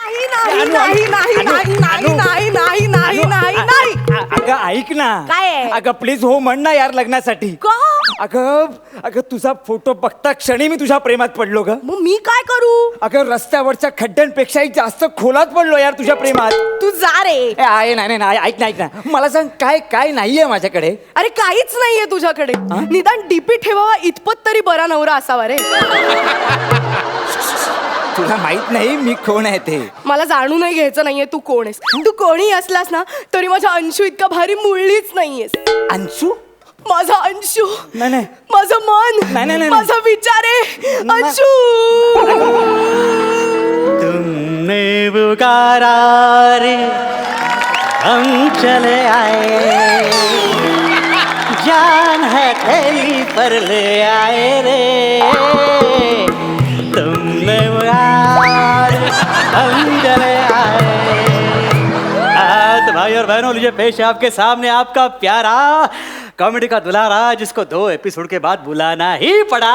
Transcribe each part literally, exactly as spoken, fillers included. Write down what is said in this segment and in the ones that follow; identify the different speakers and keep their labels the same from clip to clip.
Speaker 1: नाही नाही नाही नाही नाही नाही नाही नाही नाही नाही नाही
Speaker 2: अगं ऐक ना.
Speaker 1: काय आहे?
Speaker 2: अगं प्लीज हो म्हण ना यार लग्नासाठी.
Speaker 1: का?
Speaker 2: अगं अगं तुझा फोटो बघता क्षणी मी तुझ्या प्रेमात पडलो ग.
Speaker 1: मग मी काय करू?
Speaker 2: अगं रस्त्यावरच्या खड्ड्यांपेक्षाही जास्त खोलात पडलो यार तुझ्या प्रेमात.
Speaker 1: तू जा रे.
Speaker 2: ए, आहे नाही नाही ऐक ना ऐक ना मला सांग काय काय नाहीये माझ्याकडे.
Speaker 1: अरे काहीच नाहीये तुझ्याकडे. निदान डीपी ठेवावा इतपत तरी बरा नवरा असावा रे.
Speaker 2: तुला माहित नाही मी कोण आहे ते.
Speaker 1: मला जाणूनही घ्यायचं नाहीये तू कोण आहेस. तू कोणी असलास ना तरी माझ्या अंशू इतका भारी मुळलीच नाहीयेस.
Speaker 2: अंशू?
Speaker 1: माझा अंशू.
Speaker 2: नाही नाही
Speaker 1: माझं मन.
Speaker 2: नाही, नाही, नाही.
Speaker 1: माझा विचार आहे अंशू.
Speaker 3: तुमने पुकारा रे हम चले आए, जान है तेरी पर ले आए रे. तुमने पुकारा रे हम चले आए. तो भाई और बहनों लीजिए पेश है आपके सामने आपका प्यारा कॉमेडी का दुलारा जिसको दो एपिसोड के बाद बुलाना ही पड़ा.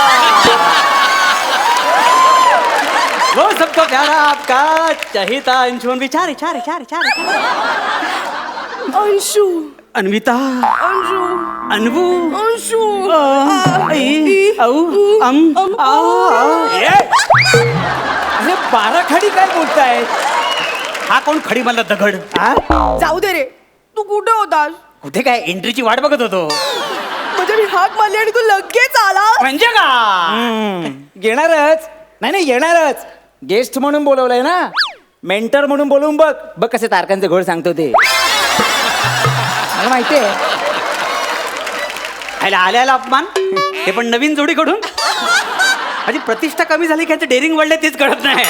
Speaker 3: वो सबको प्यारा आपका चहिता अंशु. विचार विचार विचार विचार
Speaker 1: अंशू.
Speaker 3: अन्विता,
Speaker 1: अंशू.
Speaker 3: अनवू,
Speaker 1: अंशू.
Speaker 3: आई, औ, अम, आ,
Speaker 2: ए! अरे बारा खडी काय बोलताय.
Speaker 3: हा कोण खडी मला दगड.
Speaker 2: हा?
Speaker 1: जाऊ दे रे. तू कुठे होतास?
Speaker 3: कुठे काय एंट्रीची वाट बघत होतो.
Speaker 1: म्हणजे मी हाक मारली आणि तू लगेच आला.
Speaker 3: म्हणजे का
Speaker 2: हम्म, येणारच. नाही नाही येणारच. गेस्ट म्हणून बोलवलंय ना. मेंटर म्हणून बोलवून बघ बघ कसे तारकांचे घोड सांगतो ते. मला माहितीये.
Speaker 3: आयला आल्याला अपमान ते पण नवीन जोडीकडून. माझी प्रतिष्ठा कमी झाली की डेअरिंग वाढले तेच कळत नाही.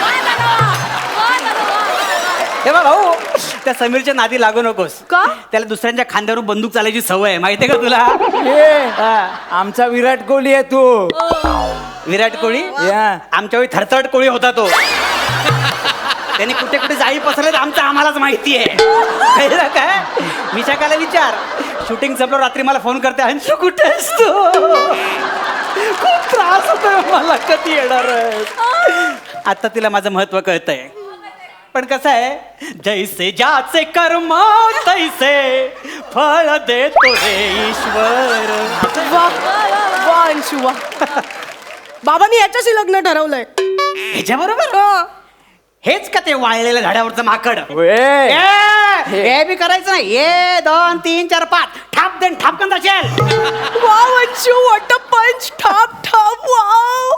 Speaker 3: हे बघ भाऊ त्या समीरच्या नादी लागू नकोस.
Speaker 1: का?
Speaker 3: त्याला दुसऱ्यांच्या खांद्यावर बंदूक चालायची सवय आहे माहितीये का तुला.
Speaker 2: ए, आमचा विराट कोहली आहे तू.
Speaker 3: विराट कोहली
Speaker 2: या.
Speaker 3: आमच्या वेळी थरथरट कोळी होता तो. त्याने कुठे कुठे जाई पसरले आमचं आम्हालाच माहिती आहे. कळलं काय. विशाखाला विचार. शूटिंग संपलं रात्री मला फोन करते अंशू कुठे असतो. खूप त्रास होतोय मला कधी येणार. आता तिला माझं महत्व कळतंय. पण कसं आहे जैसे ज्याचे कर्म तैसे फळ देतो रे ईश्वर.
Speaker 1: वा वा अंशू वा. बाबांनी याच्याशी लग्न ठरवलंय.
Speaker 3: ह्याच्या बरोबर हेच का ते वाळलेल्या झाडावरचं माकड.
Speaker 2: ए,
Speaker 3: हे बी करायचं नाही. ये दोन तीन चार पाच ठाप देन ठापकन जाशील.
Speaker 1: Wow Anshu what a punch. ठाप ठाप वाव.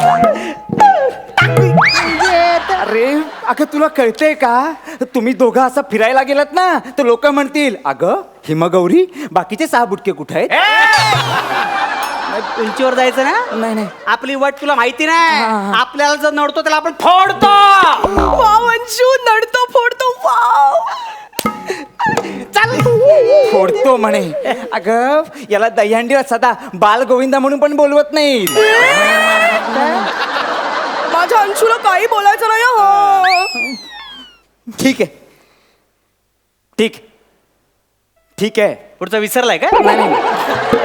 Speaker 2: अरे अगं तुला कळतंय का. तुम्ही दोघं असं फिरायला गेलात ना तर लोक म्हणतील अगं हिमगौरी बाकीचे सहा बुटके कुठे आहेत.
Speaker 3: उंचीवर जायचं ना.
Speaker 2: नाही नाही
Speaker 3: आपली वट तुला माहिती
Speaker 2: हा,
Speaker 3: नाही.
Speaker 2: हा.
Speaker 3: आपल्याला जर नडतो त्याला आपण फोडतो.
Speaker 1: वाव अंशू नडतो फोडतो वाव.
Speaker 3: चल
Speaker 2: फोडतो म्हणे. अगं याला दहीहंडीला सदा बाल गोविंदा म्हणून पण बोलवत नाही.
Speaker 1: माझ्या अंशूला काही बोलायचं नाही हो.
Speaker 2: ठीक आहे ठीक ठीक आहे.
Speaker 3: पुढचं विसरलाय का.
Speaker 2: नाही नाही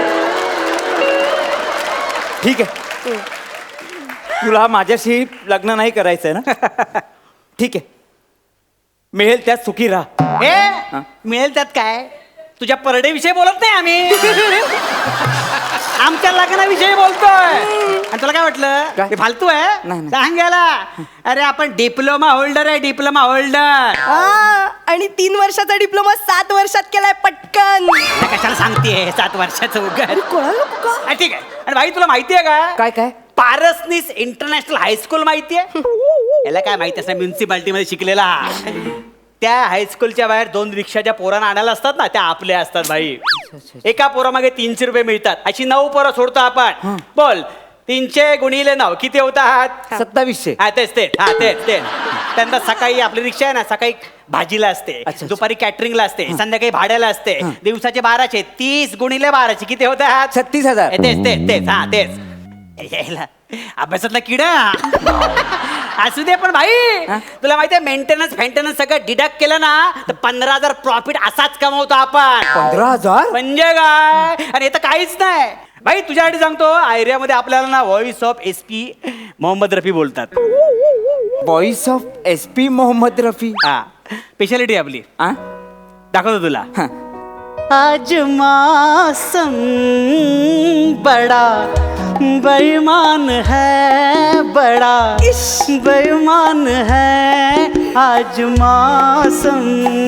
Speaker 2: ठीक आहे. तुला माझ्याशी लग्न नाही करायचंय ना. ठीक आहे मिळेल त्यात सुखी राहा.
Speaker 3: हे मिळेल त्यात काय. तुझ्या परडे विषयी बोलत नाही आम्ही. आमच्या लग्नाविषयी बोलतोय. आणि तुला काय वाटलं
Speaker 2: काय?
Speaker 3: ते फालतू आहे.
Speaker 2: नाही, नाही.
Speaker 3: सांगायला अरे आपण डिप्लोमा होल्डर आहे. Diploma holder.
Speaker 1: हा, आणि तीन वर्षाचा डिप्लोमा सात वर्षात केलाय पटकन.
Speaker 3: कशाला सांगतेय सात वर्षाचं उघड.
Speaker 1: कोणाला का?
Speaker 3: हा, ठीक आहे. आणि भाई तुला माहितीये का
Speaker 2: काय काय
Speaker 3: पारसनीस इंटरनॅशनल हायस्कूल माहितीये. याला काय माहिती असणार म्युन्सिपाल्टी मध्ये शिकलेला. त्या हायस्कूलच्या बाहेर दोन रिक्षाच्या पोरांना आणायला असतात ना त्या आपल्या असतात भाई. एका पोरामागे तीनशे रुपये मिळतात. अशी नऊ पोरं सोडतो आपण. बोल तीनशे गुणिले नऊ किती होतात.
Speaker 2: सत्तावीसशे.
Speaker 3: हा तेच तेच हा तेच तेच. त्यांना सकाळी आपली रिक्षा आहे ना सकाळी भाजीला असते.
Speaker 2: अच्छा.
Speaker 3: दुपारी कॅटरिंगला असते. संध्याकाळी भाड्याला असते. दिवसाचे बाराशे तीस गुणिले बाराशे किती होतात.
Speaker 2: छत्तीस हजार.
Speaker 3: तेच तेच तेच हा तेच. यायला अभ्यासातला किडा असू दे. पण भाई तुला माहितीये मेंटेनन्स फेंटेनन्स सगळं डिडक्ट केलं ना तर पंधरा हजार प्रॉफिट असाच कमवतो आपण.
Speaker 2: पंधरा हजार
Speaker 3: म्हणजे काय. आणि हे तर काहीच नाही. भाई तुझ्यासाठी सांगतो एरियामध्ये आपल्याला ना voice of S P Mohammed Rafi बोलतात.
Speaker 2: Voice of S P Mohammed Rafi.
Speaker 3: हा स्पेशालिटी आपली.
Speaker 2: आ?
Speaker 3: दाखवतो तुला.
Speaker 2: हा.
Speaker 3: आज मौसम बड़ा बेईमान है, बड़ा बेईमान है आज मौसम,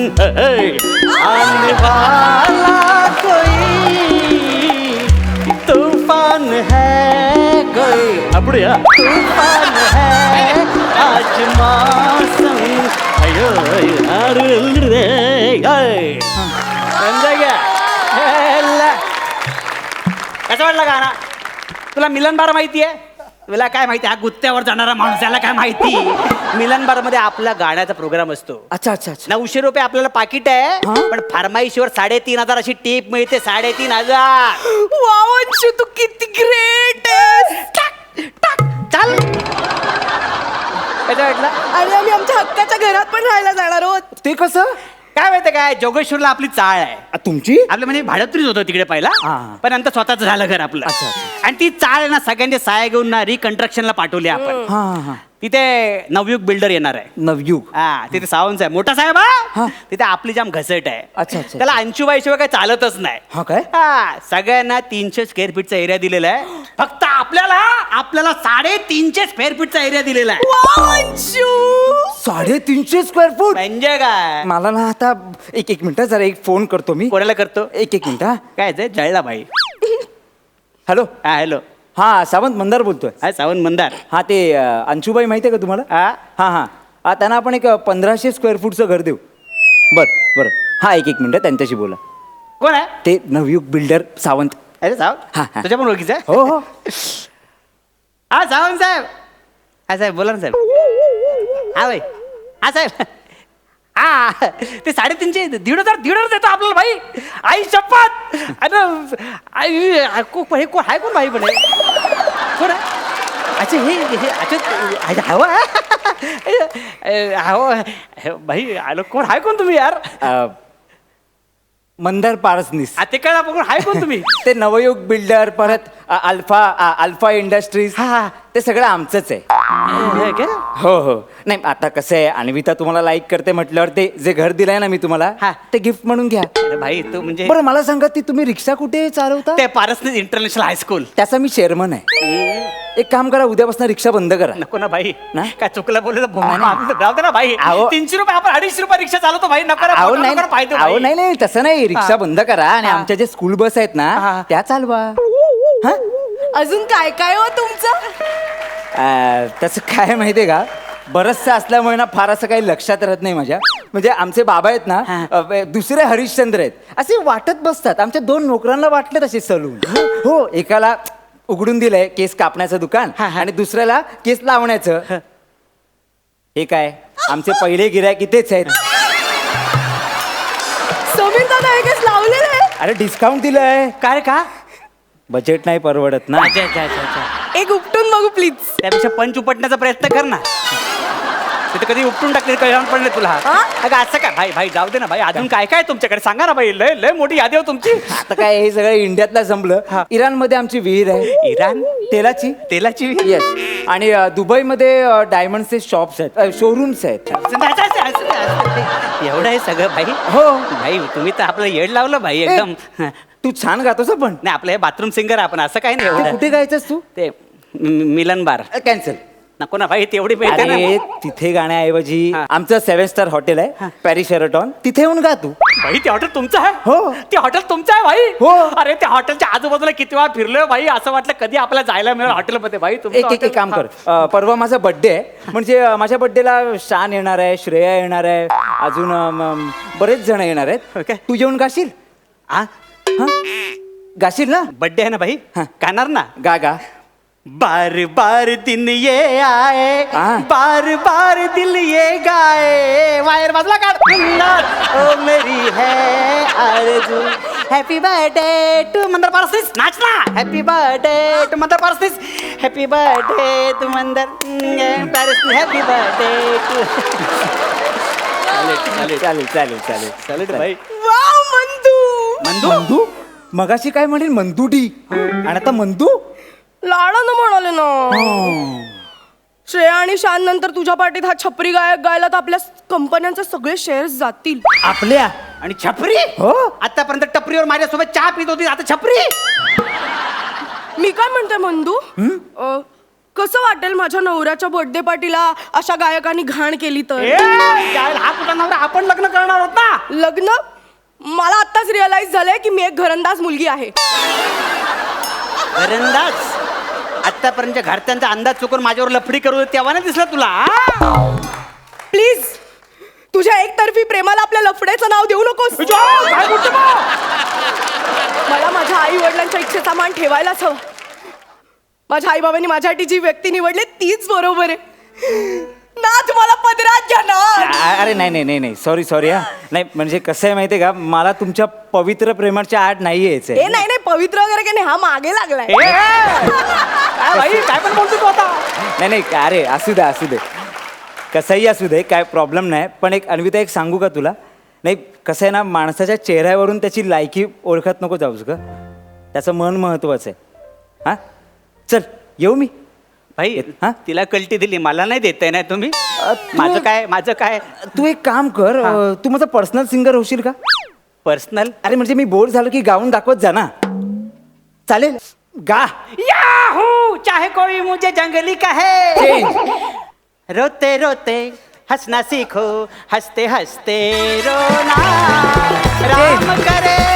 Speaker 3: आने वाला कोई तूफान है, कोई अपड़िया तूफान है आज मौसम. अयो अरे रे समजा घ्या. कसं वाटलं गाणं तुला? मिलन बार माहिती आहे? तुला काय माहिती? हा गुत्त्यावर जाणारा माणूस याला काय माहिती? मिलन बार मध्ये आपला गाण्याचा प्रोग्राम असतो.
Speaker 2: अच्छा अच्छा अच्छा.
Speaker 3: नऊशे रुपये आपल्याला पाकिट आहे, पण फरमाईशीवर साडेतीन हजार अशी टीप मिळते. साडेतीन हजार.
Speaker 1: वाव अंशू तू किती ग्रेट आहेस.
Speaker 3: टाक टाक चाल. कसं वाटलं?
Speaker 1: आणि आम्ही आमच्या हक्काच्या घरात पण राहायला जाणार आहोत.
Speaker 2: ते कसं
Speaker 3: काय माहितीये काय, जोगेश्वरला आपली चाळ आहे.
Speaker 2: आ, तुमची?
Speaker 3: आपलं म्हणजे भाडोत्रीच होतं तिकडे पहिला,
Speaker 2: हा.
Speaker 3: पण नंतर स्वतःच झालं घर आपलं.
Speaker 2: अच्छा, अच्छा.
Speaker 3: आणि ती चाळ आहे ना सगळ्यांचे साया घेऊन ना रिकन्स्ट्रक्शनला पाठवली आपण.
Speaker 2: हा हा हा.
Speaker 3: तिथे नवयुग बिल्डर येणार आहे.
Speaker 2: नवयुग.
Speaker 3: हा तिथे सावंत साहेब, मोठा साहेब
Speaker 2: हा.
Speaker 3: हा तिथे आपली जाम घसट आहे.
Speaker 2: अच्छा, अच्छा.
Speaker 3: त्याला अंशुबाई शिवाय काही चालतच नाही.
Speaker 2: हा काय?
Speaker 3: हा सगळ्यांना तीनशे स्क्वेअर फीटचा एरिया दिलेला आहे. फक्त आपल्याला आपल्याला साडेतीनशे स्क्वेअर फीटचा एरिया दिलेला आहे.
Speaker 1: वाव अंशू.
Speaker 2: साडेतीनशे स्क्वेअर फूट.
Speaker 3: म्हणजे काय?
Speaker 2: मला ना आता एक एक मिनिट जरा एक फोन करतो मी.
Speaker 3: कोणाला करतो?
Speaker 2: एक एक मिनिट. हा
Speaker 3: काय ते जळला भाई.
Speaker 2: हॅलो.
Speaker 3: हा हॅलो.
Speaker 2: हा सावंत मंदार बोलतोय.
Speaker 3: हा सावंत मंदार.
Speaker 2: हा ते अ, अंशुबाई माहिती आहे का तुम्हाला?
Speaker 3: हा
Speaker 2: हा हा हा त्यांना आपण एक अ, पंधराशे स्क्वेअर फूटचं घर देऊ. बर बर. हा एक एक मिनिट त्यांच्याशी बोला.
Speaker 3: कोण आहे?
Speaker 2: ते नवयुग बिल्डर सावंत.
Speaker 3: अरे
Speaker 2: हा,
Speaker 3: सावंत
Speaker 2: हा.
Speaker 3: तुझ्या पण ओळखीचं आहे?
Speaker 2: हो हो.
Speaker 3: हा सावंत साहेब. हा साहेब बोला ना साहेब. हा भाई. हा साहेब. हा ते साडेतीनशे दीड हजार दीड हजार देतो आपल्याला भाई. आई शपथ. अरे आई को हे कोण आहे? कोण भाई पण आहे? कोण आहे? अच्छा हे हे अच्छा हवं हवं भाई आलो. कोण आहे? कोण तुम्ही यार?
Speaker 2: अ, मंदार पारसनीस.
Speaker 3: आ, ते कळलं पण आहे कोण तुम्ही?
Speaker 2: ते नवयुग बिल्डर परत अ, अल्फा अ, अल्फा इंडस्ट्रीज.
Speaker 3: हा, हा.
Speaker 2: ते सगळं आमचंच आहे.
Speaker 3: हे काय?
Speaker 2: हो हो. नाही आता कसं आहे, अन्विता तुम्हाला लाईक करते म्हटल्यावर ते जे घर दिलंय ना मी तुम्हाला,
Speaker 3: हा.
Speaker 2: ते गिफ्ट म्हणून घ्या.
Speaker 3: अरे भाई तू म्हणजे
Speaker 2: बरं मला सांगा, ती तुम्ही रिक्षा कुठे चालवता?
Speaker 3: ते पारसनीस इंटरनॅशनल हायस्कूल.
Speaker 2: त्याचा मी चेअरमन आहे. एक काम करा, उद्यापासून रिक्षा बंद करा.
Speaker 3: नको ना भाई.
Speaker 2: ना?
Speaker 3: काय चुकलं बोललं तर
Speaker 2: नाही, नाही.
Speaker 3: भो- राहू दे ना भाई.
Speaker 2: अहो.
Speaker 3: तीनशे रुपये आपण अडीचशे रुपये रिक्षा चालवतो भाई. नको ना,
Speaker 2: अहो
Speaker 3: नको
Speaker 2: नाही
Speaker 3: ना पाहिजे
Speaker 2: अहो
Speaker 3: भाई.
Speaker 2: नाही नाही तसं नाही. रिक्षा बंद करा आणि
Speaker 3: हा.
Speaker 2: आमच्या जे स्कूल बस आहेत ना
Speaker 3: हा.
Speaker 2: त्या चालवा. हा?
Speaker 1: अजून काय काय हो तुमचं?
Speaker 2: अ, तसं काय माहितीये का, बरचसं असल्यामुळे ना फार असं काही लक्षात राहत नाही माझ्या. म्हणजे आमचे बाबा आहेत ना
Speaker 3: हा.
Speaker 2: अ, दुसरे हरिश्चंद्र आहेत. असे वाटत बसतात. आमच्या दोन नोकरांना वाटले तसे सलून. हो एकाला उघडून दिलंय केस कापण्याचं दुकान
Speaker 3: हा, हा.
Speaker 2: आणि दुसऱ्याला केस लावण्याचं. हे काय आमचे पहिले गिऱ्हाईक इथेच आहेत.
Speaker 1: समीर दादा हे केस लावलेलं आहे.
Speaker 2: अरे डिस्काउंट दिलंय.
Speaker 3: काय रे का?
Speaker 2: बजेट नाही परवडत ना.
Speaker 3: अच्छा अच्छा अच्छा अच्छा.
Speaker 1: एक उपटून बघू प्लीज.
Speaker 3: त्यापेक्षा पंच उपटण्याचा प्रयत्न कर ना. तिथे कधी उपटून टाकले कळण पडले तुला.
Speaker 1: हा?
Speaker 3: अगं असं काय भाई भाई जाऊ दे ना भाई. अजून काय काय तुमच्याकडे सांगा ना भाई. लय लय मोठी यादी हो तुमची.
Speaker 2: आता काय हे सगळं इंडियातला संपलं. इराण मध्ये आमची विहीर आहे
Speaker 3: इराण
Speaker 2: तेलाची.
Speaker 3: तेलाची विहीर?
Speaker 2: येस. आणि अ, दुबईमध्ये अ, डायमंडचे शॉप्स आहेत, शोरूम्स आहेत.
Speaker 3: असं- असं- असं- असं- एवढं आहे सगळं भाई.
Speaker 2: हो.
Speaker 3: भाई तुम्ही तर आपलं येड लावलं भाई एकदम.
Speaker 2: ए, तू छान गातोस पण.
Speaker 3: नाही आपलं हे बाथरूम सिंगर आपण असं काही नाही
Speaker 2: ते
Speaker 3: एवढं.
Speaker 2: कुठे गायचंस तू?
Speaker 3: ते मि- मिलन बार.
Speaker 2: कॅन्सल.
Speaker 3: नको ना भाई तेवढी मिळते ना.
Speaker 2: अरे तिथे गाण्याऐवजी
Speaker 3: हा.
Speaker 2: आमचं सेव्हन स्टार हॉटेल आहे पॅरिस शेरटॉन, तिथे येऊन गा तू.
Speaker 3: भाई ते हॉटेल तुमचं आहे?
Speaker 2: हो.
Speaker 3: ते हॉटेल तुमचं आहे भाई?
Speaker 2: हो.
Speaker 3: अरे त्या हॉटेलच्या आजूबाजूला किती वेळा फिरलोय भाई. असं वाटलं कधी आपल्याला जायला मिळेल हॉटेलमध्ये भाई. तुमचं
Speaker 2: एक एक एक
Speaker 3: हॉटेल-
Speaker 2: काम कर. अ, परवा माझा बर्थडे आहे. म्हणजे अ, माझ्या बर्थडेला शान येणार आहे, श्रेया येणार आहे, अजून अ, म, बरेच जण येणार आहेत.
Speaker 3: Okay.
Speaker 2: तू येऊन गाशील?
Speaker 3: हा?
Speaker 2: हा? गाशील ना?
Speaker 3: बर्थडे आहे ना भाई.
Speaker 2: हा.
Speaker 3: गाणार ना.
Speaker 2: गा गा.
Speaker 3: बार बार दिन ये आए,
Speaker 2: हा.
Speaker 3: बार बार दिल ये गाए. वायर बाजूला काढ. ओ मेरी है आरज़ू. Happy birthday to Mandar Parsis. नाच ना. Happy birthday to Mandar Parsis. Happy birthday to Mandar Parsis. Happy birthday to. चालेल
Speaker 2: चालेल चालेल चालेल
Speaker 3: चालेल भाई.
Speaker 1: वाव मंदू.
Speaker 3: मंदू
Speaker 2: मंदू मगाशी काय म्हणेल मंदुडी आणि आता मंदू
Speaker 1: लाडानं म्हणाले ना. श्रेया आणि शान नंतर तुझ्या पार्टीत हा छपरी गायक गायला तर आपल्या कंपन्यांचे सगळे शेअर्स जातील.
Speaker 2: आपल्या
Speaker 3: आणि छपरी
Speaker 2: हो.
Speaker 3: आतापर्यंत टपरीवर माझ्यासोबत चहा पित होती, आता छपरी.
Speaker 1: मी काय म्हणते मंदू, अ, कसं वाटेल माझ्या नवऱ्याच्या बर्थडे पार्टीला अशा गायकांनी घाण केली तर?
Speaker 3: ए, काय हा कुठं नवरा, आपण लग्न करणार आहोत ना.
Speaker 1: लग्न? मला आत्ताच रिअलाइज झालंय की मी एक घरंदाज मुलगी आहे.
Speaker 3: घरंदाज? आतापर्यंत घरच्यांचा अंदाज चुकून माझ्यावर लफडी करू तेव्हा नाही दिसलं तुला?
Speaker 1: प्लीज तुझ्या एकतर्फी प्रेमाला आपल्या लफड्याचं नाव देऊ नकोस.
Speaker 3: काय बोलतो बा?
Speaker 1: मला माझ्या आई वडिलांच्या इच्छेचा मान ठेवायलाच हवा. माझ्या आई बाबांनी माझ्यासाठी जी व्यक्ती निवडली तीच बरोबर आहे. नाच मला पदरात घ्या ना.
Speaker 2: आ- अरे नाही नाही नाही नाही सॉरी सॉरी हा नाही म्हणजे कसं आहे माहितीये का, मला तुमच्या पवित्र प्रेमाच्या आड नाही
Speaker 1: ए
Speaker 2: यायचंय.
Speaker 1: नाही नाही पवित्र वगैरे काही नाही, हा मागे लागलाय.
Speaker 3: ए, काय बाई, काय पण बोलतो तू आता?
Speaker 2: नाही नाही का अरे असू दे असू दे कसंही असू दे काय प्रॉब्लेम नाही. पण एक अन्विता एक सांगू का तुला, नाही कसं आहे ना, माणसाच्या चेहऱ्यावरून त्याची लायकी ओळखत नको जाऊस ग, त्याचं मन महत्वाचं आहे. हा चल येऊ मी.
Speaker 3: भाई
Speaker 2: हा?
Speaker 3: तिला कल्टी दिली, मला नाही देताय ना तुम्ही.
Speaker 2: तू-
Speaker 3: माझं काय माझं काय
Speaker 2: तू एक काम कर, अं, तू माझा पर्सनल सिंगर होशील का?
Speaker 3: पर्सनल?
Speaker 2: अरे म्हणजे मी बोर झालो की गाऊन दाखवत जा ना. चालेल गा.
Speaker 3: याहू चाहे कोई मुझे जंगली कहे, रोते रोते हंसना सीखो, हंसते हंसते रोना, राम करे